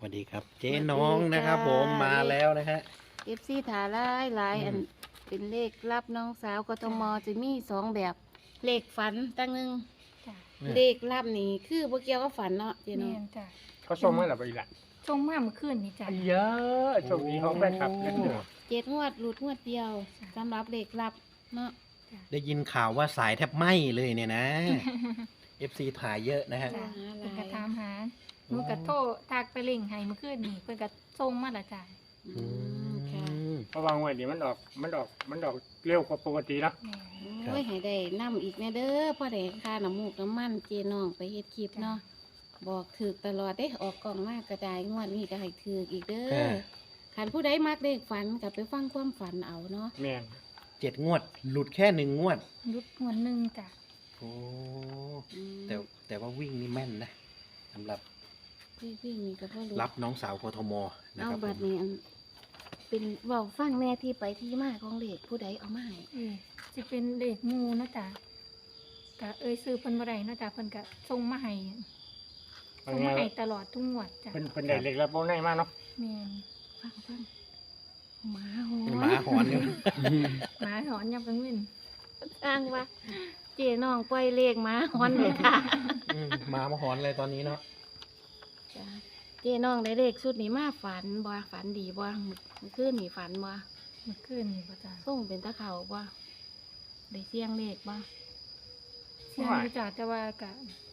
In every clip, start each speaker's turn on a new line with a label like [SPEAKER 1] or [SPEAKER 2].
[SPEAKER 1] วัสดีครับเจ๊น้องนะครับผมมาแล้วนะฮะ
[SPEAKER 2] FC ถาหลายอันเป็นเลขรับน้องสาวกทมจะมี2แบบเลขฝันตั้งหนึง
[SPEAKER 3] จ้ะ
[SPEAKER 2] เลขรับนี่คือบ่เกี่ยวกับฝันเนาะเจ๊
[SPEAKER 3] แม่
[SPEAKER 2] เนาะ
[SPEAKER 3] นจ้ะ
[SPEAKER 4] เขาส่งมาแล้วไปอีกละ
[SPEAKER 3] ชงมาเมื่อคืนนี่จ้ะ
[SPEAKER 4] เยอะโชคดีของแฟนคลับเยอะ
[SPEAKER 2] 7งวดหลุดงวดเดียวสำหรับเลขรับเนาะ
[SPEAKER 1] ได้ยินข่าวว่าสายแทบไหม้เลยเนี่ยนะ FC ถ่ายเยอะนะฮะ
[SPEAKER 3] จ้ะ
[SPEAKER 2] หาหลาย
[SPEAKER 3] เพิ่นก็ถามหาหนูก็โทรทักไปเล่งให้เมื่อคืนนี่เพิ่นก็ส่งมาและจ้ะ
[SPEAKER 2] อืมค่ะ
[SPEAKER 4] เพราะว่างวดนี้มันออกเร็วกว่าปกติเนาะ
[SPEAKER 3] แม่
[SPEAKER 1] ครับ
[SPEAKER 2] โอ้ยให้ได้นํอีกแน่เด้อพอได้ค่าน้ำมูกน้ำมันเจ๊น้องไปเฮ็ดคลิปเนาะบอกถูกตลอดเด้ออกกล่องมากกระจายงวดนี้ก็ให้ถูกอีกเด้อคันผู้ใดมักเลขฝันก็ไปฟังความฝันเอาเนาะ
[SPEAKER 4] แม่น
[SPEAKER 1] 7 งวด หลุดแค่1 งวด
[SPEAKER 3] รุดงวดหนึงจ้ะ
[SPEAKER 1] โอ้
[SPEAKER 2] อืม
[SPEAKER 1] แต่ว่าวิ่งนี่แม่นนะสำหรับ
[SPEAKER 2] พี่นี่ก็บ่รู้
[SPEAKER 1] รับน้องสาวกทมนะ
[SPEAKER 2] เอา
[SPEAKER 1] ครับ
[SPEAKER 2] บัดนี้อันเป็นเว้าฟังแน่ที่ไปที่มาของเลขผู้ใดเอามาให้
[SPEAKER 3] สิเป็นเลขงูเนาะจ้ะก็ซื้อเพิ่นบ่ได้เนาะจ้ะเพิ่นก็ส่งมาให้
[SPEAKER 4] บา
[SPEAKER 3] ส่
[SPEAKER 4] ง
[SPEAKER 3] ง
[SPEAKER 4] ไง
[SPEAKER 3] มาให้ตลอดทุกงวดจ้ะ
[SPEAKER 4] เป็นได้เล็กแล้วโบนัสมากเนาะ
[SPEAKER 3] แม่น
[SPEAKER 2] ฟังหมาหอ
[SPEAKER 1] หมาหอนอยู่
[SPEAKER 3] หมาหอนยามกลางวัน
[SPEAKER 2] อ้างว่า เจ๊น้องปล่อยเลขหมาหอนเลยค่ะ
[SPEAKER 1] หมามาหอนเลยตอนนี้เนาะ
[SPEAKER 2] จ้ะเจ๊น้องได้เลขชุดนี้มาฝันบ่ฝันดีบ่มื้อคืนนี่ฝันบ่
[SPEAKER 3] เมื่อคืนนี่บ่จ้ะ
[SPEAKER 2] ส่งเป็นตะเขาบ่ได้เสียงเลขบ่
[SPEAKER 3] เสียงอยู่จ้ะแต่ว่าก็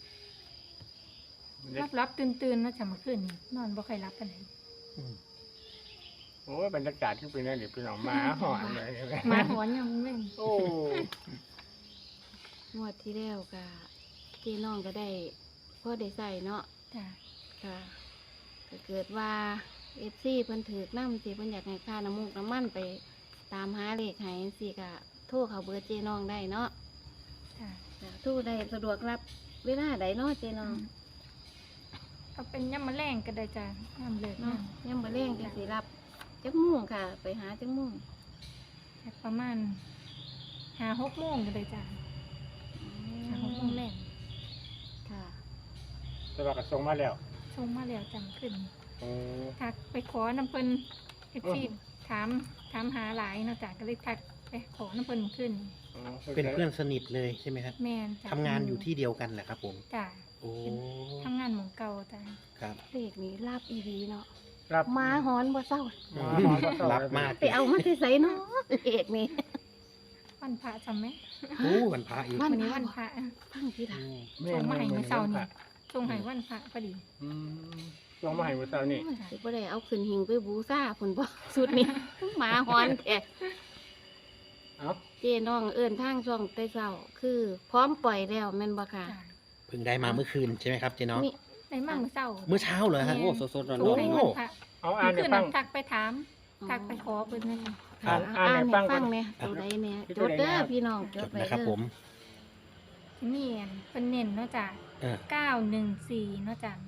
[SPEAKER 3] รับตื่นๆเนาะจ้ะเมื่อคืนนี่นอนบ่ค่อยหลับปานใด
[SPEAKER 1] อืม
[SPEAKER 4] โอ้ยบรรยากาศที่เป็นนั่นเดี๋ยวเป็นออกมาหอนเลย
[SPEAKER 3] หมาหอนยามกลางวัน
[SPEAKER 4] โอ้
[SPEAKER 2] งวดที่แล้วก็เจ๊น้องก็ได้พอได้ใส่เนาะ
[SPEAKER 3] จ้ะ
[SPEAKER 2] ค่ะก็เกิดว่า FC เพิ่นถือนำสิเพิ่นอยากให้ค่าน้ำมูกน้ำมันไปตามหาเลขให้สิก็โทรเข้าเบอร์เจ๊น้องได้เนาะ
[SPEAKER 3] จ้ะ
[SPEAKER 2] จ้ะโทรได้สะดวกรับเวลาใดเนาะเจ๊น้อง
[SPEAKER 3] เอาเป็นยามมื้อแลงก็ได้จ้ะยามเลิก
[SPEAKER 2] เนาะ
[SPEAKER 3] เนาะ
[SPEAKER 2] ยังบ่แรงจังสิรับจักโมุ่งค่ะ ไปหาจักโมุ่ง
[SPEAKER 3] ประมาณ5-6โมงก็ได้จ้ะ5-6โมงแลง
[SPEAKER 2] ค่ะ
[SPEAKER 4] แต่ว่าก็ส่งมาแล้ว
[SPEAKER 3] ส่งมาแล้วจำขึ้น
[SPEAKER 4] โอ้
[SPEAKER 3] ทักไปขอน้ำเพิ่น FC ถามหาหลายเนาะจ้ะก็เลยทักไปขอน้ำเพิ่นขึ้น
[SPEAKER 1] เป็นเพื่อนสนิทเลยใช่ไหมครับ
[SPEAKER 3] แม่นจ้ะ
[SPEAKER 1] ทำงานอยู่ที่เดียวกันแหละครับผม
[SPEAKER 3] จ้ะ
[SPEAKER 1] โอ้
[SPEAKER 3] ทำงานหมองเก่าจ้ะ
[SPEAKER 1] ครับ
[SPEAKER 2] เลขนี้รับอีดีเนาะ
[SPEAKER 4] รับ
[SPEAKER 2] หมาหอนบ่เศร้า
[SPEAKER 1] รับมาก
[SPEAKER 2] ไปเอามาที่ไสเนาะเลขนี้
[SPEAKER 3] วันพระจำไหม
[SPEAKER 1] โอ้วันพระอีก
[SPEAKER 2] วั
[SPEAKER 3] วันนี้วันพระ
[SPEAKER 2] ฟังที่หลัง
[SPEAKER 3] ส่งมาให้เมื่อเช้านี่ส่งให้วันพระพอดี
[SPEAKER 4] ส่งมาให้เมื่อเช้านี่
[SPEAKER 2] สิบ่ได้เอาขึ้นหิงไปบูชาพุ่นบ่สุดนี้ หมาหอนแท้
[SPEAKER 4] เอ้า
[SPEAKER 2] เจ๊น้องเอิ้นทางช่องแต่เช้าคือ พร้อมปล่อยแล้วแม่นบ่ค่ะ
[SPEAKER 3] จ้ะ
[SPEAKER 1] เพิ่งได้มาเมื่อคืนใช่ไหมครับเจ๊น้อง
[SPEAKER 2] นี่
[SPEAKER 3] ได้มาเมื่อเช้า
[SPEAKER 1] เมื่อเช้าเหรอฮะ
[SPEAKER 3] แม่
[SPEAKER 1] โอ้สดๆร้
[SPEAKER 3] ส่ง
[SPEAKER 1] อน
[SPEAKER 3] ให้
[SPEAKER 1] ๆ
[SPEAKER 3] วันพระ
[SPEAKER 4] เอาอ่าน
[SPEAKER 3] เมื่อ
[SPEAKER 4] ให้
[SPEAKER 3] คืน
[SPEAKER 4] ฟั
[SPEAKER 3] นั้
[SPEAKER 4] ง
[SPEAKER 3] นทักไปถามทักไปขอเพิ่นเลย
[SPEAKER 2] ค่ะ
[SPEAKER 4] อ่านให้ฟังก่อน
[SPEAKER 2] แหน่ตัวใดแหน่
[SPEAKER 4] ที่
[SPEAKER 2] จ
[SPEAKER 4] ตัว
[SPEAKER 2] ด
[SPEAKER 4] ใด
[SPEAKER 2] เด้อ
[SPEAKER 4] นะครับ
[SPEAKER 2] พี่น้องจ
[SPEAKER 1] จ
[SPEAKER 2] ด
[SPEAKER 1] ด
[SPEAKER 2] ไว้
[SPEAKER 1] นะครับ
[SPEAKER 2] เด้อ
[SPEAKER 1] ผม
[SPEAKER 3] ที่นี่อันเพิ่นเน้นเนาะจ้ะ
[SPEAKER 1] เออ
[SPEAKER 3] 914เนาะจ้ะ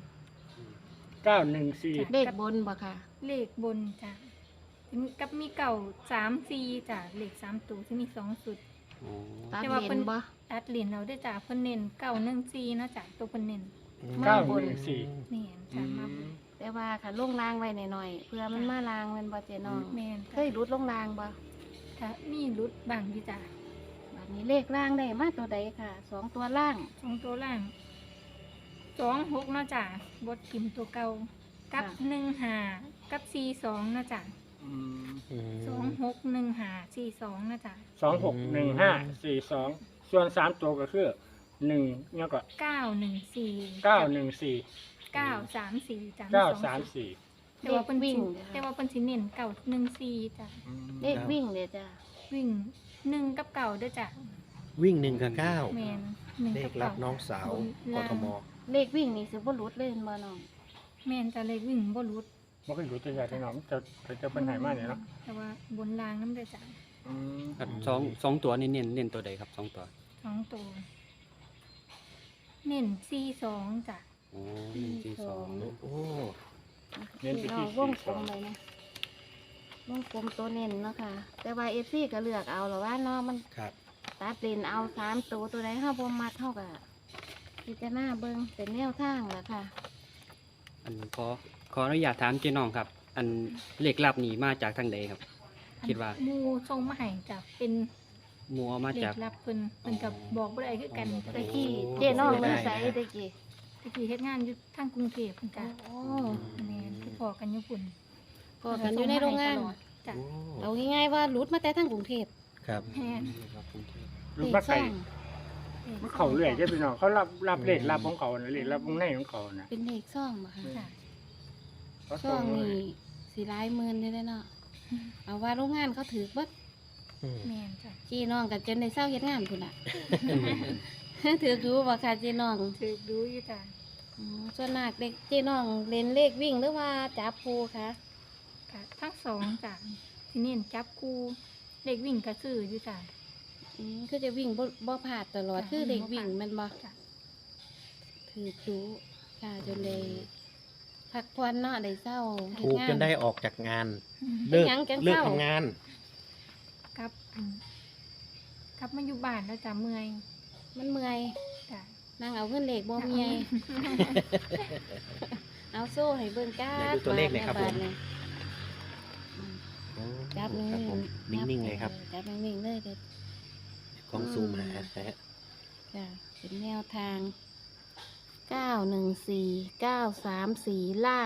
[SPEAKER 4] 914
[SPEAKER 2] เลขบนบ่ค่ะ
[SPEAKER 3] เลขบนจ้ะกับมีเก่า3-4จ้ะเลข3ตัวที่มี2สุด
[SPEAKER 2] ตัด
[SPEAKER 3] แต่ว่า
[SPEAKER 2] เล
[SPEAKER 3] เพิ่
[SPEAKER 2] น
[SPEAKER 3] น
[SPEAKER 2] บ่
[SPEAKER 3] ตัดเหรียญเราได้จ้ะเพิ่นเน้น914เนาะจ้ะตัวเพิ่นเน้น
[SPEAKER 2] มาบน
[SPEAKER 4] 914
[SPEAKER 3] แม่นจ้ะมาบน
[SPEAKER 2] แต่ว่าค่ะลงรางไว้หน่อยๆเพื่อมันมาลางแมันบ่เจ๊น้อง
[SPEAKER 3] แม่น
[SPEAKER 2] เค
[SPEAKER 3] จ้ะ
[SPEAKER 2] ยรุดลงรางบ่
[SPEAKER 3] ถ้ามีรุดบางที่จ้ะ
[SPEAKER 2] บัดนี้เลขล่างได้มาตัวใดค่ะสองตัวล่าง
[SPEAKER 3] 2ตัวล่าง26เนาะจ้ะบดกิมตัวเก่ากับ15กับ42เนาะจ้ะ
[SPEAKER 4] อืม
[SPEAKER 1] อืม
[SPEAKER 3] 261542เนาะจ้ะ
[SPEAKER 4] 261542ส่วน3ตัวก็คือ1เนี่ยก็
[SPEAKER 3] 914
[SPEAKER 4] 914
[SPEAKER 3] 934จ้ะ
[SPEAKER 4] 934
[SPEAKER 3] แต่ว่าเพิ่น
[SPEAKER 2] วิ่
[SPEAKER 3] วิ่
[SPEAKER 2] ง
[SPEAKER 3] งแต่ว่าเพิ่นสิเน้น914จ้ะ
[SPEAKER 2] เลขวิ่งเด้อจ้ะ
[SPEAKER 3] วิ่ง1กับเก่าเด้อจ้ะ
[SPEAKER 1] วิ่ง1 กับ
[SPEAKER 3] แม่น
[SPEAKER 1] 9
[SPEAKER 3] 1
[SPEAKER 1] เล
[SPEAKER 3] กั
[SPEAKER 1] ข
[SPEAKER 3] บ
[SPEAKER 1] รั
[SPEAKER 3] เก่า
[SPEAKER 1] บน้องสาวกทม
[SPEAKER 2] เลขวิ่งนี่สิบ่รุดเลยแม่นบ่น้อง
[SPEAKER 3] แม่นจ้ะเลขวิ่งบ่หลุด
[SPEAKER 4] บ่เคยรู้ตัวใหญ่ที่น้องจะเป็นไหนมาเนี่ยเนาะ
[SPEAKER 3] แต่ว่าบนรางนำเด้อจ้ะ
[SPEAKER 4] อืม
[SPEAKER 5] ครับสองตัวนี่เน้นตัวใดครับสองตัว
[SPEAKER 3] 2ตัวเน้น42จ้ะ
[SPEAKER 5] โอ้1 4 2
[SPEAKER 1] โอ้
[SPEAKER 4] เน้นไปที่
[SPEAKER 2] วงกลมเลยนะวงกลมตัวเน้นเนาะค่ะ แต่ว่า FC ก็เลือกเอาหรอว่าเนาะมัน
[SPEAKER 1] ครับ
[SPEAKER 2] ตัดเลนเอา3ตัวใดเฮาบ่มักเฮาก็พิจารณาเบิ่งเป็นแนวทางล่ะค่ะ
[SPEAKER 5] อันขออนุญาตถามเจ๊น้องครับ อันเลขลับนี่มาจากทางใดครับ คิดว่า
[SPEAKER 3] หมูทรงมาให้จ้ะเป็น
[SPEAKER 5] หมัวมา
[SPEAKER 3] เล
[SPEAKER 5] จาก
[SPEAKER 3] ขลับเพิ่นกับบอกบ่ได้คือกัน
[SPEAKER 2] ตะกี้เจ๊น้องเมืองใสตะกี้
[SPEAKER 3] ตะกี้เฮ็ดงานอยู่ทางกรุงเทพเพิ่นจ้ะ
[SPEAKER 2] โอ้
[SPEAKER 3] แม่นคือพอกันอยู่พุ่น
[SPEAKER 2] พอกันอยู่ในโรงงาน
[SPEAKER 3] จ้ะ
[SPEAKER 2] เอาง่ายๆว่าหลุดมาแต่ทางกรุงเทพ
[SPEAKER 1] ครับ
[SPEAKER 3] แม่น
[SPEAKER 4] รู้ว่าไก่
[SPEAKER 2] เลขซ่อง
[SPEAKER 4] มันเขาเรื่อยเด้อพี่น้องเขารับเลขรับของเขาน่ะเลขรับของในของเขาน่ะ
[SPEAKER 2] เป็นเลขซ่องบ่คะ
[SPEAKER 3] จ้ะ
[SPEAKER 4] เขา
[SPEAKER 2] ซ่
[SPEAKER 4] ส่
[SPEAKER 2] อง
[SPEAKER 4] ง
[SPEAKER 2] นี่สิหลายหมื่นอยู่เด้อเนาะเอาว่าโรงงานเขาถือเบิด
[SPEAKER 1] อืม
[SPEAKER 3] แม่นจ้ะ
[SPEAKER 2] จีน้องกับจนได้เศร้าเฮ็ดงานพุ่นล่ะ ถือรู้บ่ค่ะจีน้อง
[SPEAKER 3] ถือดูอยู่จ้ะ
[SPEAKER 2] ส่วนมากเด็กจีน้องเล่นเลขวิ่งหรือว่าจับปูคะ
[SPEAKER 3] กะทั้งสองจ้ะที่เน้นจับคู่เด็กวิ่งกระซื้ออยู่จ้ะ
[SPEAKER 2] คือจะวิ่งบ่พลาดตลอด
[SPEAKER 3] จ้ะ
[SPEAKER 2] คือเด็กวิ่งแมันบ่
[SPEAKER 3] จ้ะ
[SPEAKER 2] ถือรู้ค่ะจนเลยพักผ่อนเนาะได้เศร้าเฮ็
[SPEAKER 1] ถูก
[SPEAKER 2] งา
[SPEAKER 1] จนได้ออกจากงาน
[SPEAKER 2] เป็น
[SPEAKER 1] เลิก
[SPEAKER 2] หยังจัง
[SPEAKER 1] เลิก
[SPEAKER 2] เศร้า
[SPEAKER 1] ทำงาน
[SPEAKER 3] กับกับมาอยู่บ้านแล้วจ้ะเมื่อย
[SPEAKER 2] มันเมื่อย
[SPEAKER 3] จ้ะ
[SPEAKER 2] นั่งเอาเงินเลขบ่เมียเอาโซ่ให้เบิ่งก้า
[SPEAKER 1] ไหนดูตัวเลขหน่อยครับผม
[SPEAKER 2] าทเนี่ย จับนิ่
[SPEAKER 1] ครับผม
[SPEAKER 2] งๆ
[SPEAKER 1] นิ่งๆเลยครับ
[SPEAKER 2] จับนิ่งๆเลยเด็ด
[SPEAKER 1] กล้องซูมหานะฮะ
[SPEAKER 2] จ้ะเป็นแนวทาง 914 934 ล่าง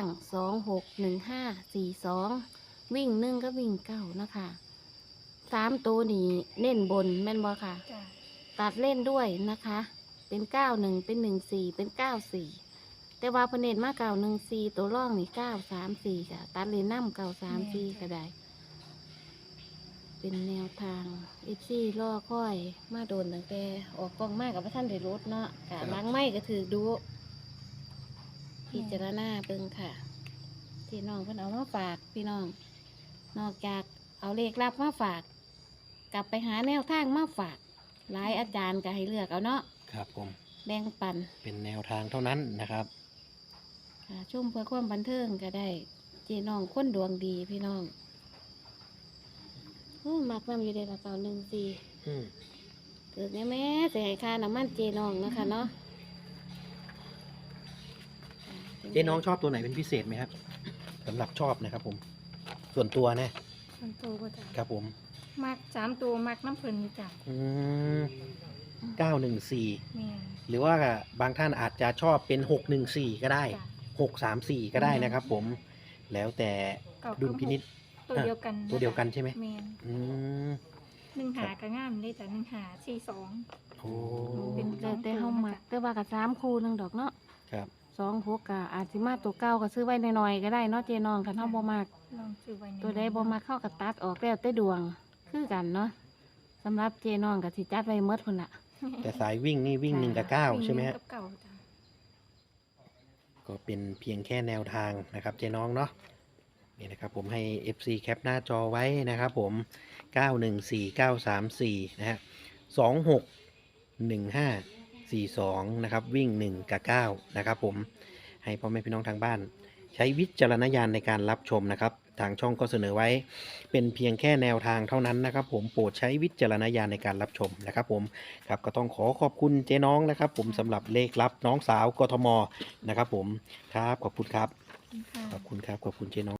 [SPEAKER 2] 261542 วิ่ง1ก็วิ่ง9นะคะ3ตัวนี้เน้นบนแม่นบ่ค่ะ
[SPEAKER 3] จ้ะ
[SPEAKER 2] ตัดเล่นด้วยนะคะ เป็น91เป็น14เป็น94แต่ว่าเพนเนตมา914ตัวร่องนี่934ค่ะตัดเลนน้ำ934ก็ได้ เป็นแนวทาง FC ล่อค่อยมาโดนตั้งแต่ออกกล้องมากกับพระท่านได้รถเนาะกะล้างไม้ก็ถือดูพิจารณาเบิ่งค่ะ ที่น้องเพิ่นเอามาฝากพี่น้อง นอกจากเอาเลขลับมาฝาก กลับไปหาแนวทางมาฝาก หลายอาจารย์ก็ให้เลือกเอาเนาะ
[SPEAKER 1] ครับผม
[SPEAKER 2] แบ่งปัน
[SPEAKER 1] เป็นแนวทางเท่านั้นนะครับ
[SPEAKER 2] ค่ะชมเพื่อความบันเทิงก็ได้ เจน้องคนดวงดีพี่น้องโอ้มักนำอยู่ในกระเป๋า14
[SPEAKER 1] อืม
[SPEAKER 2] เกิดแม่เสียค่าน้ำมันเจน้องนะคะเนาะ
[SPEAKER 1] เจ๊น้องชอบตัวไหนเป็นพิเศษไหมครับสำหรับชอบนะครับผม ส่วนตัวนะ
[SPEAKER 3] มันโตก็จ้ะ
[SPEAKER 1] ครับผม
[SPEAKER 3] มัก3ตัวมักน้ำเพิ่นอยู่จ้ะ
[SPEAKER 1] อืม914
[SPEAKER 3] แม่น
[SPEAKER 1] หรือว่าบางท่านอาจจะชอบเป็น614ก็ได้
[SPEAKER 3] จ้ะ
[SPEAKER 1] 634ก็ได้นะครับผม แล้วแต่
[SPEAKER 3] เก่า
[SPEAKER 1] ดุลพินิจ
[SPEAKER 3] ตัวเดียวกัน
[SPEAKER 1] ตัวเดียวกันใช่ไหม
[SPEAKER 3] แม่น
[SPEAKER 1] อืม
[SPEAKER 3] 1หาก็งามเลยจ้ะ1หา42
[SPEAKER 1] โอ้
[SPEAKER 3] เป็น
[SPEAKER 2] แต่เฮามักแต่ว่ากับ3คู่หนึงดอกเนาะ
[SPEAKER 1] ครับ
[SPEAKER 2] 26ก็อาจสิมาตัวเก่าก็ซื้อไว้หน่อยๆก็ได้เนาะเจน้องคันเฮาบ่มัก
[SPEAKER 3] ลองซื้อไว้ใน
[SPEAKER 2] ตัวใดบ่มักเข้ากับตัดออกแล้วแต่ดวงคือกันเนาะสำหรับเจน้องก็สิจัดไว้หมดพุ่นล่ะ
[SPEAKER 1] แต่สายวิ่งนี่วิ่ง1 กับ 9 ใช่ไหมฮะ
[SPEAKER 3] กับเก่าจ้ะ
[SPEAKER 1] ก็เป็นเพียงแค่แนวทางนะครับเจ๊น้องเนาะนี่นะครับผมให้ FC แคปหน้าจอไว้นะครับผม 914934 นะฮะ261542 นะครับวิ่ง 1 กับ 9 นะครับผมให้พ่อแม่พี่น้องทางบ้าน ใช้วิจารณญาณในการรับชมนะครับ ทางช่องก็เสนอไว้ เป็นเพียงแค่แนวทางเท่านั้นนะครับผมโปรดใช้วิจารณญาณในการรับชมนะครับผมครับก็ต้องขอบคุณเจ๊น้องนะครับผมสำหรับเลขลับน้องสาวกทมนะครับผมครับขอบคุณครับ
[SPEAKER 3] ค่ะ
[SPEAKER 1] ขอบคุณครับขอบคุณเจ๊น้อง